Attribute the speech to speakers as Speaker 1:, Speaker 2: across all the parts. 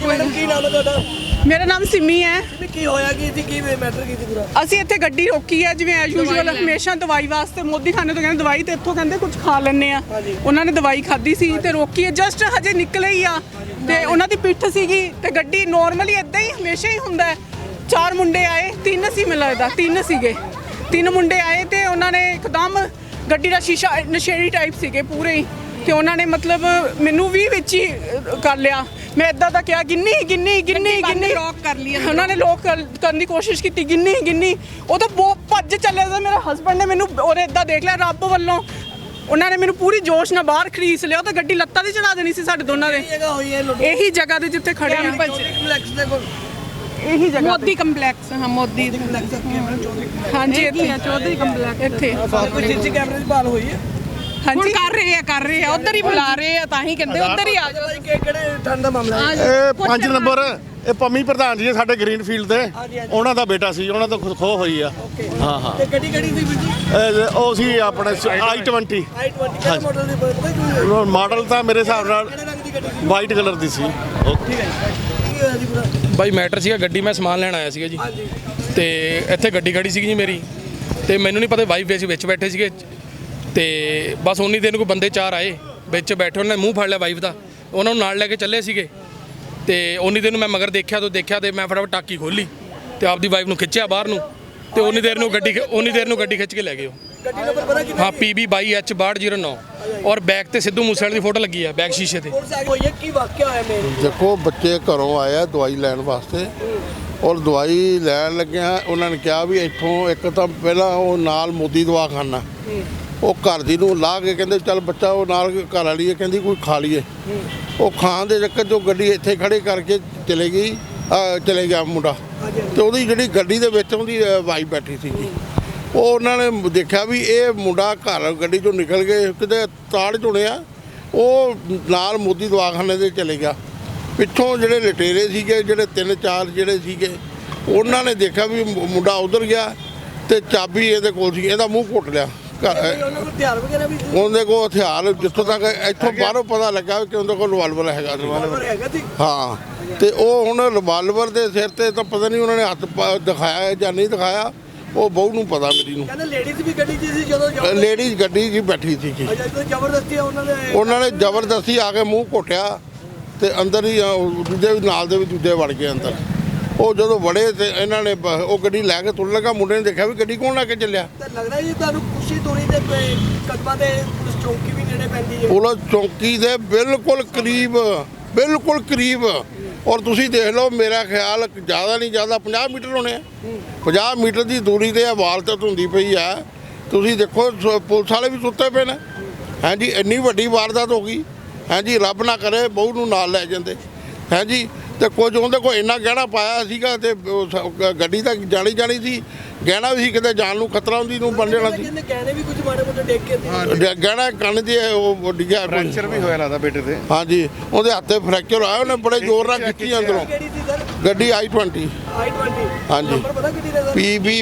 Speaker 1: मेरा नाम सिमी है।
Speaker 2: ਕੀ ਹੋਇਆ ਕੀ ਮੈਟਰ ਕੀ ਸੀ ਪੂਰਾ?
Speaker 1: ਅਸੀਂ ਇੱਥੇ ਗੱਡੀ ਰੋਕੀ ਹੈ ਜਿਵੇਂ ਐਜ਼ ਯੂਜੂਅਲ ਹਮੇਸ਼ਾ ਦਵਾਈ ਵਾਸਤੇ ਮੋਦੀ ਖਾਨੇ ਤੋਂ ਕਹਿੰਦੇ ਦਵਾਈ ਤੇ ਇੱਥੋਂ ਕਹਿੰਦੇ ਕੁਝ ਖਾ ਲੈਣੇ ਆ। ਉਹਨਾਂ ਨੇ ਦਵਾਈ ਖਾਧੀ ਸੀ ਤੇ ਰੋਕੀ ਹੈ, ਜਸਟ ਹਜੇ ਨਿਕਲੇ ਹੀ ਆ ਤੇ ਉਹਨਾਂ ਦੀ ਪਿੱਠ ਸੀਗੀ ਤੇ ਗੱਡੀ ਨੋਰਮਲੀ ਇਦਾਂ ਹੀ ਹਮੇਸ਼ਾ ਹੀ ਹੁੰਦਾ ਹੈ। 4 ਮੁੰਡੇ ਆਏ, 3 ਸੀ ਮੈਨੂੰ ਲੱਗਦਾ, 3 ਸੀਗੇ। 3 ਮੁੰਡੇ ਆਏ ਤੇ ਉਹਨਾਂ ਨੇ ਇੱਕਦਮ ਗੱਡੀ ਦਾ ਸ਼ੀਸ਼ਾ ਨਸ਼ੇੜੀ ਟਾਈਪ ਸੀਗੇ ਪੂਰੇ ਹੀ ਤੇ ਉਹਨਾਂ ਨੇ ਮਤਲਬ ਮੈਨੂੰ ਵੀ ਵਿੱਚ ਹੀ ਕਰ ਲਿਆ। ਮੈਂ ਇਦਾਂ ਦਾ ਕਿਹਾ ਗਿੰਨੀ ਲੌਕ ਕਰ ਲਈ, ਉਹਨਾਂ ਨੇ ਲੌਕ ਕਰਨ ਦੀ ਕੋਸ਼ਿਸ਼ ਕੀਤੀ, ਗਿੰਨੀ ਉਹ ਤਾਂ ਬਹੁਤ ਭੱਜ ਚੱਲਿਆ ਸੀ। ਮੇਰੇ ਹਸਬੰਡ ਨੇ ਮੈਨੂੰ ਉਹਨੇ ਇਦਾਂ ਦੇਖ ਲਿਆ, ਰੱਬ ਵੱਲੋਂ ਉਹਨਾਂ ਨੇ ਮੈਨੂੰ ਪੂਰੀ ਜੋਸ਼ ਨਾਲ ਬਾਹਰ ਖਰੀਦ ਲਿਆ। ਉਹ ਤਾਂ ਗੱਡੀ ਲੱਤਾਂ 'ਤੇ ਚੜਾ ਦੇਣੀ ਸੀ ਸਾਡੇ ਦੋਨਾਂ ਦੇ। ਇਹੀ ਜਗ੍ਹਾ ਤੇ ਜਿੱਥੇ ਖੜੇ ਆ, ਇਹੀ ਜਗ੍ਹਾ
Speaker 3: ਮੋਦੀ ਕੰਪਲੈਕਸ। ਹਾਂ ਮੋਦੀ
Speaker 1: ਹਾਂਜੀ ਇੱਥੇ
Speaker 3: ਚੌਧਰੀ ਕੰਪਲੈਕਸ
Speaker 1: ਇੱਥੇ
Speaker 2: ਕੋਈ ਸੀਸੀ ਕੈਮਰੇ ਦੀ ਭਾਲ ਹੋਈ ਹੈ?
Speaker 3: ਹੁਣ ਕਰ ਰਹੇ ਆ ਉਧਰ ਹੀ ਬੁਲਾ ਰਹੇ ਆ, ਤਾਂ ਹੀ ਕਹਿੰਦੇ ਉਧਰ ਹੀ ਆ ਜਾਓ।
Speaker 2: ਕਿਹੜੇ ਠੰਡ ਦਾ ਮਾਮਲਾ ਹੈ?
Speaker 4: ਇਹ 5 ਨੰਬਰ ਇਹ ਪੰਮੀ ਪ੍ਰਧਾਨ ਜੀ ਸਾਡੇ ਗ੍ਰੀਨ ਫੀਲਡ ਤੇ ਉਹਨਾਂ ਦਾ ਬੇਟਾ ਸੀ, ਉਹਨਾਂ ਤੋਂ ਖੋਹ ਹੋਈ ਆ। ਹਾਂ
Speaker 2: ਤੇ ਗੱਡੀ ਸੀ ਵੀਰ ਜੀ?
Speaker 4: ਉਹ ਸੀ ਆਪਣੇ i20
Speaker 2: ਕਿਹੜੇ ਮਾਡਲ ਦੀ ਪਤਾ?
Speaker 4: ਮਾਡਲ ਤਾਂ ਮੇਰੇ ਹਿਸਾਬ ਨਾਲ ਵਾਈਟ ਕਲਰ ਦੀ ਸੀ।
Speaker 2: ਠੀਕ ਹੈ ਕੀ ਹੋਇਆ ਜੀ ਪੂਰਾ?
Speaker 5: ਬਾਈ ਮੈਟਰ ਸੀਗਾ, ਗੱਡੀ ਮੈਂ ਸਮਾਨ ਲੈਣ ਆਇਆ ਸੀਗਾ ਜੀ ਤੇ ਇੱਥੇ ਗੱਡੀ ਖੜੀ ਸੀਗੀ ਜੀ ਮੇਰੀ ਤੇ ਮੈਨੂੰ ਨਹੀਂ ਪਤਾ ਵਾਈਫ ਅਸੀਂ ਵਿੱਚ ਬੈਠੇ ਸੀਗੇ ਤੇ ਬਸ ਉਨੀ ਦਿਨ ਕੋਈ ਬੰਦੇ 4 ਆਏ ਵਿੱਚ ਬੈਠੇ, ਉਹਨਾਂ ਨੇ ਮੂੰਹ ਫੜ ਲਿਆ ਵਾਈਫ ਦਾ, ਉਹਨਾਂ ਨੂੰ ਨਾਲ ਲੈ ਕੇ ਚੱਲੇ ਸੀਗੇ ਤੇ ਉਨੀ ਦਿਨ ਮੈਂ ਮਗਰ ਦੇਖਿਆ ਤੇ ਮੈਂ ਫਟਾਫਟ ਟਾਕੀ ਖੋਲੀ ਤੇ ਆਪਦੀ ਵਾਈਫ ਨੂੰ ਖਿੱਚਿਆ ਬਾਹਰ ਨੂੰ ਤੇ ਉਨੀ ਦੇਰ ਨੂੰ ਗੱਡੀ ਖਿੱਚ ਕੇ ਲੈ ਗਏ ਉਹ।
Speaker 2: ਗੱਡੀ ਨੰਬਰ ਪਤਾ ਕਿੰਨਾ?
Speaker 5: ਹਾਂ PB 22H6209 ਔਰ ਬੈਕ ਤੇ ਸਿੱਧੂ ਮੂਸੇਵਾਲੇ ਦੀ ਫੋਟੋ ਲੱਗੀ ਆ ਬੈਕ ਸ਼ੀਸ਼ੇ ਤੇ।
Speaker 2: ਕੀ ਵਾਕਿਆ ਹੋਇਆ ਮੇਰੇ?
Speaker 6: ਦੇਖੋ ਬੱਚੇ ਘਰੋਂ ਆਏ ਆ ਦਵਾਈ ਲੈਣ ਵਾਸਤੇ ਔਰ ਦਵਾਈ ਲੈਣ ਲੱਗਿਆ ਉਹਨਾਂ ਨੇ ਕਿਹਾ ਵੀ ਇੱਥੋਂ ਇੱਕ ਤਾਂ ਪਹਿਲਾਂ ਉਹ ਨਾਲ ਮੋਦੀ ਦਵਾਖਾਨਾ, ਉਹ ਘਰ ਦੀ ਨੂੰ ਲਾ ਕੇ ਕਹਿੰਦੇ ਚੱਲ ਬੱਚਾ ਉਹ ਨਾਲ ਘਰ ਵਾਲੀ ਹੈ ਕਹਿੰਦੀ ਕੋਈ ਖਾ ਲਈਏ। ਉਹ ਖਾਣ ਦੇ ਚੱਕਰ 'ਚ ਗੱਡੀ ਇੱਥੇ ਖੜੇ ਕਰਕੇ ਚਲੇ ਗਿਆ ਮੁੰਡਾ ਤੇ ਉਹਦੀ ਜਿਹੜੀ ਗੱਡੀ ਦੇ ਵਿੱਚ ਉਹਦੀ ਵਾਈਫ ਬੈਠੀ ਸੀਗੀ। ਉਹ ਉਹਨਾਂ ਨੇ ਦੇਖਿਆ ਵੀ ਇਹ ਮੁੰਡਾ ਘਰ ਗੱਡੀ 'ਚੋਂ ਨਿਕਲ ਕੇ ਕਿਤੇ ਤਾੜ ਚੁਣਿਆ, ਉਹ ਨਾਲ ਮੋਦੀ ਦਵਾਖਾਨੇ ਦੇ ਚਲੇ ਗਿਆ। ਪਿੱਛੋਂ ਜਿਹੜੇ ਲਟੇਰੇ ਸੀਗੇ ਜਿਹੜੇ 3-4 ਜਿਹੜੇ ਸੀਗੇ ਉਹਨਾਂ ਨੇ ਦੇਖਿਆ ਵੀ ਮੁੰਡਾ ਉਧਰ ਗਿਆ ਤੇ ਚਾਬੀ ਇਹਦੇ ਕੋਲ ਸੀ, ਇਹਦਾ ਮੂੰਹ ਘੁੱਟ ਲਿਆ। ਉਹਦੇ ਕੋਲ ਹਥਿਆਰ ਜਿੱਥੋਂ ਤੱਕ ਇੱਥੋਂ ਬਾਹਰੋਂ ਪਤਾ ਲੱਗਾ ਕਿ ਉਹਦੇ ਕੋਲ ਰਿਵਾਲਵਰ ਹੈਗਾ। ਹਾਂ ਤੇ ਉਹ ਹੁਣ ਰਿਵਾਲਵਰ ਦੇ ਸਿਰ ਤੇ ਤਾਂ ਪਤਾ ਨਹੀਂ ਉਹਨਾਂ ਨੇ ਹੱਥ ਦਿਖਾਇਆ ਜਾਂ ਨਹੀਂ ਦਿਖਾਇਆ, ਉਹ ਬਹੂ ਨੂੰ ਪਤਾ ਮੇਰੀ ਨੂੰ।
Speaker 2: ਕਹਿੰਦੇ ਲੇਡੀਜ਼ ਵੀ ਗੱਡੀ 'ਚ ਸੀ ਜਦੋਂ?
Speaker 6: ਲੇਡੀਜ਼ ਗੱਡੀ 'ਚ ਬੈਠੀ ਸੀ।
Speaker 2: ਜ਼ਬਰਦਸਤੀ
Speaker 6: ਉਹਨਾਂ ਨੇ ਜ਼ਬਰਦਸਤੀ ਆ ਕੇ ਮੂੰਹ ਘੋਟਿਆ ਤੇ ਅੰਦਰ ਹੀ ਦੂਜੇ ਨਾਲ ਦੇ ਵੀ ਦੂਜੇ ਵੜ ਗਏ ਅੰਦਰ। ਉਹ ਜਦੋਂ ਵੜੇ ਤੇ ਇਹਨਾਂ ਨੇ ਉਹ ਗੱਡੀ ਲੈ ਕੇ ਤੁਰਨ ਲੱਗਾ, ਮੁੰਡੇ ਨੇ ਦੇਖਿਆ ਵੀ ਗੱਡੀ ਕੌਣ ਲੈ ਕੇ ਚੱਲਿਆ।
Speaker 2: ਲੱਗਦਾ ਜੀ ਤੁਹਾਨੂੰ ਖੁਸ਼ੀ ਦੂਰੀ ਦੇ ਕਦਮਾਂ ਤੇ ਪੁਲਿਸ ਚੌਂਕੀ ਵੀ ਨੇੜੇ ਪੈਂਦੀ ਹੈ?
Speaker 6: ਪੁਲਿਸ ਚੌਂਕੀ ਦੇ ਬਿਲਕੁਲ ਕਰੀਬ ਔਰ ਤੁਸੀਂ ਦੇਖ ਲਓ, ਮੇਰਾ ਖਿਆਲ ਜ਼ਿਆਦਾ ਨਹੀਂ ਜ਼ਿਆਦਾ 50 ਮੀਟਰ ਹੋਣੇ ਆ। 50 ਮੀਟਰ ਦੀ ਦੂਰੀ ਤੇ ਵਾਰਦਾਤ ਹੁੰਦੀ ਪਈ ਆ। ਤੁਸੀਂ ਦੇਖੋ ਪੁਲਿਸ ਵਾਲੇ ਵੀ ਸੁੱਤੇ ਪਏ ਨੇ। ਹਾਂਜੀ ਇੰਨੀ ਵੱਡੀ ਵਾਰਦਾਤ ਹੋ ਗਈ। ਹਾਂਜੀ ਰੱਬ ਨਾ ਕਰੇ ਬਹੂ ਨੂੰ ਨਾਲ ਲੈ ਜਾਂਦੇ। ਹਾਂਜੀ ਤੇ ਕੁਝ ਉਹਦੇ ਕੋਲ ਇੰਨਾ ਗਹਿਣਾ ਪਾਇਆ ਸੀਗਾ ਤੇ ਗੱਡੀ ਤਾਂ ਜਾਣੀ ਸੀ, ਗਹਿਣਾ ਵੀ ਸੀ, ਕਿਤੇ ਜਾਨ ਨੂੰ ਖਤਰਾ ਹੁੰਦੀ ਨੂੰ ਬਣ ਜਾਣਾ ਸੀ।
Speaker 2: ਗਹਿਣੇ ਵੀ ਕੁਝ ਮਾੜੇ ਮੋਟੇ ਡੇਕ ਕੇ
Speaker 6: ਗਹਿਣਾ ਕੰਨ ਦੇ ਉਹ ਡਿੱਗਿਆ,
Speaker 4: ਫ੍ਰੈਕਚਰ ਵੀ ਹੋਇਆ ਲੱਗਦਾ ਬੇਟੇ ਤੇ।
Speaker 6: ਹਾਂਜੀ ਉਹਦੇ ਹੱਥੇ ਫ੍ਰੈਕਚਰ ਆਇਆ, ਉਹਨੇ ਬੜੇ ਜ਼ੋਰ ਨਾਲ ਖਿੱਚੀ ਅੰਦਰੋਂ ਗੱਡੀ i20। ਹਾਂਜੀ PB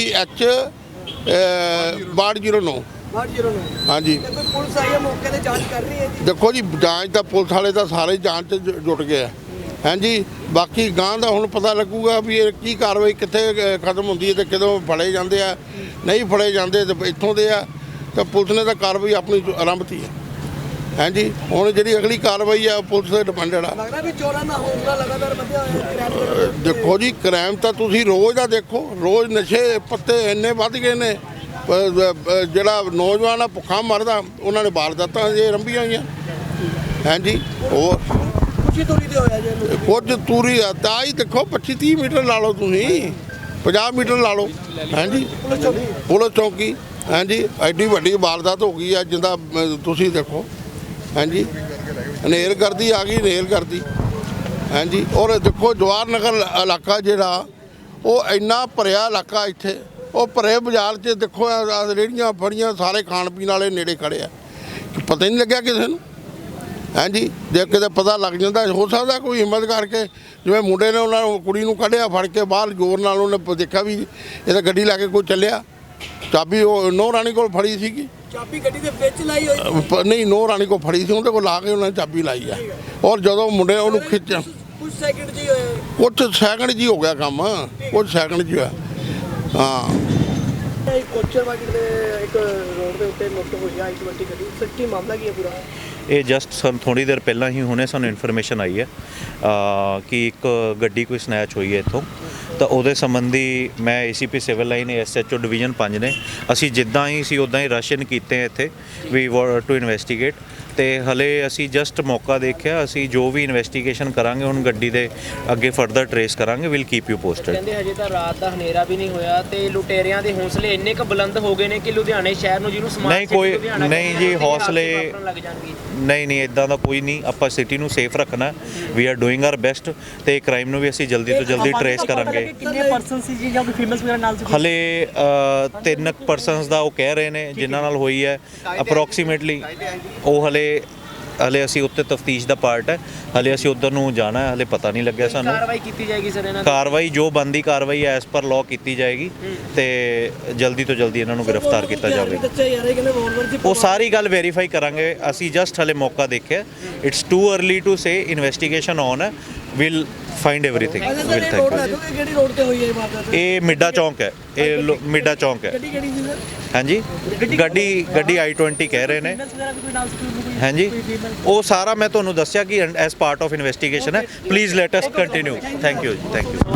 Speaker 6: 22H6209। ਹਾਂਜੀ
Speaker 2: ਪੁਲਿਸ ਆਈ ਹੈ ਮੌਕੇ ਤੇ ਜਾਂਚ ਕਰ ਰਹੀ ਹੈ ਜੀ?
Speaker 6: ਦੇਖੋ ਜੀ ਜਾਂਚ ਤਾਂ ਪੁਲਿਸ ਵਾਲੇ ਤਾਂ ਸਾਰੇ ਜਾਂਚ 'ਚ ਜੁਟ ਗਏ ਆ। ਹਾਂਜੀ ਬਾਕੀ ਗਾਂ ਦਾ ਹੁਣ ਪਤਾ ਲੱਗੂਗਾ ਵੀ ਇਹ ਕੀ ਕਾਰਵਾਈ ਕਿੱਥੇ ਖਤਮ ਹੁੰਦੀ ਹੈ ਤੇ ਕਦੋਂ ਫੜੇ ਜਾਂਦੇ ਆ, ਨਹੀਂ ਫੜੇ ਜਾਂਦੇ ਤੇ ਇੱਥੋਂ ਦੇ ਆ। ਤਾਂ ਪੁਲਿਸ ਨੇ ਤਾਂ ਕਾਰਵਾਈ ਆਪਣੀ ਆਰੰਭਤੀ ਹੈ। ਹਾਂਜੀ ਹੁਣ ਜਿਹੜੀ ਅਗਲੀ ਕਾਰਵਾਈ ਆ ਪੁਲਿਸ ਤੇ ਡਿਪੈਂਡਡ ਆ।
Speaker 2: ਲੱਗਦਾ ਵੀ ਚੋਰਾਂ ਦਾ ਹੌਸਲਾ ਲਗਾਤਾਰ ਵਧਿਆ ਹੋਇਆ।
Speaker 6: ਦੇਖੋ ਜੀ ਕ੍ਰਾਈਮ ਤਾਂ ਤੁਸੀਂ ਰੋਜ਼ ਦਾ ਦੇਖੋ, ਰੋਜ਼ ਨਸ਼ੇ ਪੱਤੇ ਇੰਨੇ ਵੱਧ ਗਏ ਨੇ। ਜਿਹੜਾ ਨੌਜਵਾਨ ਆ ਭੁੱਖਾ ਮਰਦਾ, ਉਹਨਾਂ ਨੇ ਵਾਰਦਾਤਾਂ ਜੇ ਆਰੰਭੀਆਂ ਹੋਈਆਂ। ਹਾਂਜੀ ਹੋਰ
Speaker 2: ਤੂਰੀ ਤੇ ਹੋਇਆ ਜੀ
Speaker 6: ਕੁਝ ਤੂਰੀ ਆ ਤਾਂ ਹੀ ਦੇਖੋ 25-30 ਮੀਟਰ ਲਾ ਲਓ, ਤੁਸੀਂ 50 ਮੀਟਰ ਲਾ ਲਓ। ਹਾਂਜੀ ਪੁਲਿਸ ਚੌਂਕੀ। ਹਾਂਜੀ ਐਡੀ ਵੱਡੀ ਵਾਰਦਾਤ ਹੋ ਗਈ ਆ ਜਿੰਦਾ ਤੁਸੀਂ ਦੇਖੋ। ਹਾਂਜੀ ਹਨੇਰਗਰਦੀ ਆ ਗਈ, ਹਨੇਰਗਰਦੀ। ਹਾਂਜੀ ਔਰ ਦੇਖੋ ਜਵਾਹਰ ਨਗਰ ਇਲਾਕਾ ਜਿਹੜਾ ਉਹ ਇੰਨਾ ਭਰਿਆ ਇਲਾਕਾ, ਇੱਥੇ ਉਹ ਭਰੇ ਬਾਜ਼ਾਰ 'ਚ ਦੇਖੋ ਰੇਹੜੀਆਂ ਫੜੀਆਂ, ਸਾਰੇ ਖਾਣ ਪੀਣ ਵਾਲੇ ਨੇੜੇ ਖੜੇ ਆ, ਪਤਾ ਹੀ ਨਹੀਂ ਲੱਗਿਆ ਕਿਸੇ ਨੂੰ। ਹਾਂਜੀ ਜੇ ਕਿਤੇ ਪਤਾ ਲੱਗ ਜਾਂਦਾ ਹੋ ਸਕਦਾ ਕੋਈ ਹਿੰਮਤ ਕਰਕੇ, ਜਿਵੇਂ ਮੁੰਡੇ ਨੇ ਉਹਨਾਂ ਨੂੰ ਕੁੜੀ ਨੂੰ ਕੱਢਿਆ ਫੜ ਕੇ ਬਾਹਰ ਜ਼ੋਰ ਨਾਲ, ਉਹਨੇ ਦੇਖਿਆ ਵੀ ਇਹ ਤਾਂ ਗੱਡੀ ਲੈ ਕੇ ਕੋਈ ਚੱਲਿਆ। ਚਾਬੀ ਉਹ ਨੋ ਰਾਣੀ ਕੋਲ ਫੜੀ ਸੀਗੀ।
Speaker 2: ਚਾਬੀ ਗੱਡੀ ਦੇ ਵਿੱਚ ਲਾਈ ਹੋਈ
Speaker 6: ਨਹੀਂ, ਨੋ ਰਾਣੀ ਕੋਲ ਫੜੀ ਸੀ, ਉਹਦੇ ਕੋਲ ਲਾ ਕੇ ਉਹਨਾਂ ਨੇ ਚਾਬੀ ਲਾਈ ਆ। ਔਰ ਜਦੋਂ ਮੁੰਡੇ ਉਹਨੂੰ ਖਿੱਚਿਆ,
Speaker 2: ਕੁਝ ਸੈਕਿੰਡ ਜੀ ਹੋਏ
Speaker 6: ਕੁਝ ਸੈਕਿੰਡ ਜੀ ਹੋ ਗਿਆ ਕੰਮ, ਕੁਝ ਸੈਕਿੰਡ ਜੀ ਹੋਇਆ। ਹਾਂ
Speaker 2: ਇਹ ਕੋਚਰ ਮਾਰਕੀਟ ਦੇ ਇੱਕ ਰੋਡ ਦੇ ਉੱਤੇ ਲੁੱਟ ਹੋਈ ਆ ਇੱਕ ਵੱਡੀ ਗੱਡੀ, ਸੱਚੀ ਮਾਮਲਾ ਕੀ ਹੈ ਪੂਰਾ?
Speaker 7: ਇਹ ਜਸਟ ਸਾਨੂੰ ਥੋੜੀ ਦੇਰ ਪਹਿਲਾਂ ਹੀ ਹੁਣੇ ਸਾਨੂੰ ਇਨਫੋਰਮੇਸ਼ਨ ਆਈ ਹੈ ਕਿ ਇੱਕ ਗੱਡੀ ਕੋਈ ਸਨੈਚ ਹੋਈ ਹੈ ਇੱਥੋਂ। ਤਾਂ ਉਹਦੇ ਸੰਬੰਧੀ ਮੈਂ ACP civil line SHO division 5 ਨੇ ਅਸੀਂ ਜਿੱਦਾਂ ਹੀ ਸੀ ਉੱਦਾਂ ਹੀ ਰਸ਼-ਇਨ ਕੀਤੇ ਇੱਥੇ ਵੀ ਟੂ ਇਨਵੈਸਟੀਗੇਟ। ਤੇ ਹਲੇ ਅਸੀਂ ਜਸਟ ਮੌਕਾ ਦੇਖਿਆ, ਅਸੀਂ ਜੋ ਵੀ ਇਨਵੈਸਟੀਗੇਸ਼ਨ ਕਰਾਂਗੇ ਹੁਣ ਗੱਡੀ ਦੇ ਅੱਗੇ ਫਰਦਰ ਟਰੇਸ ਕਰਾਂਗੇ, ਵਿਲ ਕੀਪ ਯੂ ਪੋਸਟਡ।
Speaker 8: ਕਹਿੰਦੇ ਹਜੇ ਤਾਂ ਰਾਤ ਦਾ ਹਨੇਰਾ ਵੀ ਨਹੀਂ ਹੋਇਆ ਤੇ ਲੁਟੇਰਿਆਂ ਦੇ ਹੌਸਲੇ ਇੰਨੇ ਕੁ ਬੁਲੰਦ ਹੋ ਗਏ ਨੇ ਕਿ ਲੁਧਿਆਣੇ ਸ਼ਹਿਰ ਨੂੰ ਜਿਹਨੂੰ ਸਮਾਰਟ
Speaker 7: ਨਹੀਂ ਕੋਈ
Speaker 8: ਲੁਧਿਆਣਾ
Speaker 7: ਨਹੀਂ
Speaker 8: ਕਹਿੰਦੇ
Speaker 7: ਜੀ,
Speaker 8: ਨੇ,
Speaker 7: ਹੌਸਲੇ
Speaker 8: ਵਾਪਰਨ ਲੱਗ ਜਾਣਗੇ।
Speaker 7: ਨਹੀਂ ਇਦਾਂ ਦਾ ਕੋਈ ਨਹੀਂ। ਆਪਾਂ ਸਿਟੀ ਨੂੰ ਸੇਫ ਰੱਖਣਾ, we are doing our best ਤੇ ਕ੍ਰਾਈਮ ਨੂੰ ਵੀ ਅਸੀਂ ਜਲਦੀ ਤੋਂ ਜਲਦੀ ਟਰੇਸ ਕਰਾਂਗੇ।
Speaker 2: ਕਿੰਨੇ ਪਰਸਨ ਸੀ ਜੀ ਜਾਂ ਕੋਈ ਫੇਮਸ ਵਗੈਰਾ ਨਾਲ ਸੀ?
Speaker 7: ਹਲੇ 3 ਪਰਸਨਸ ਦਾ ਉਹ ਕਹਿ ਰਹੇ ਨੇ ਜਿਨ੍ਹਾਂ ਨਾਲ ਹੋਈ ਹੈ ਅਪਰੋਕਸੀਮੇਟਲੀ। ਉਹ ਹਲੇ ਅਸੀਂ ਉੱਤੇ ਤਫਤੀਸ਼ ਦਾ ਪਾਰਟ ਹੈ, ਹਲੇ ਅਸੀਂ ਉੱਧਰ ਨੂੰ ਜਾਣਾ ਹੈ, ਹਲੇ ਪਤਾ ਨਹੀਂ ਲੱਗਿਆ ਸਾਨੂੰ।
Speaker 8: ਕਾਰਵਾਈ ਕੀਤੀ ਜਾਏਗੀ ਸਰ ਇਹਨਾਂ
Speaker 7: ਕਾਰਵਾਈ ਜੋ ਬੰਦੀ ਕਾਰਵਾਈ ਐਸ ਪਰ ਲਾਅ ਕੀਤੀ ਜਾਏਗੀ ਤੇ ਜਲਦੀ ਤੋਂ ਜਲਦੀ ਇਹਨਾਂ ਨੂੰ ਗ੍ਰਿਫਤਾਰ ਕੀਤਾ ਜਾਵੇ।
Speaker 2: ਬੱਚੇ ਯਾਰ ਇਹ ਕਹਿੰਦੇ ਵੋਲਵਰ ਦੀ
Speaker 7: ਉਹ ਸਾਰੀ ਗੱਲ ਵੈਰੀਫਾਈ ਕਰਾਂਗੇ। ਅਸੀਂ ਜਸਟ ਹਲੇ ਮੌਕਾ ਦੇਖਿਆ, it's too early to say, investigation on ਹੈ, will find everything. Will thank you.
Speaker 2: ਕਿਹੜੀ ਰੋਡ ਤੇ ਹੋਈ ਹੈ ਇਹ ਵਾਰਦਾਤ?
Speaker 7: ਇਹ ਮਿੱਡਾ ਚੌਂਕ ਹੈ, ਇਹ ਮਿੱਡਾ ਚੌਂਕ ਹੈ।
Speaker 2: ਗੱਡੀ ਕਿਹੜੀ ਸੀ ਸਰ?
Speaker 7: ਹਾਂਜੀ ਗੱਡੀ I-20 ਕਹਿ ਰਹੇ ਨੇ।
Speaker 2: ਫੇਮਸ ਵਗੈਰਾ ਕੋਈ ਨਾਲ ਸੀ?
Speaker 7: ਹਾਂਜੀ ਉਹ ਸਾਰਾ ਮੈਂ ਤੁਹਾਨੂੰ ਦੱਸਿਆ ਕਿ ਐਸ ਪਾਰਟ ਆਫ ਇਨਵੈਸਟੀਗੇਸ਼ਨ ਹੈ। Please let us continue. Thank you ਜੀ, ਥੈਂਕ ਯੂ।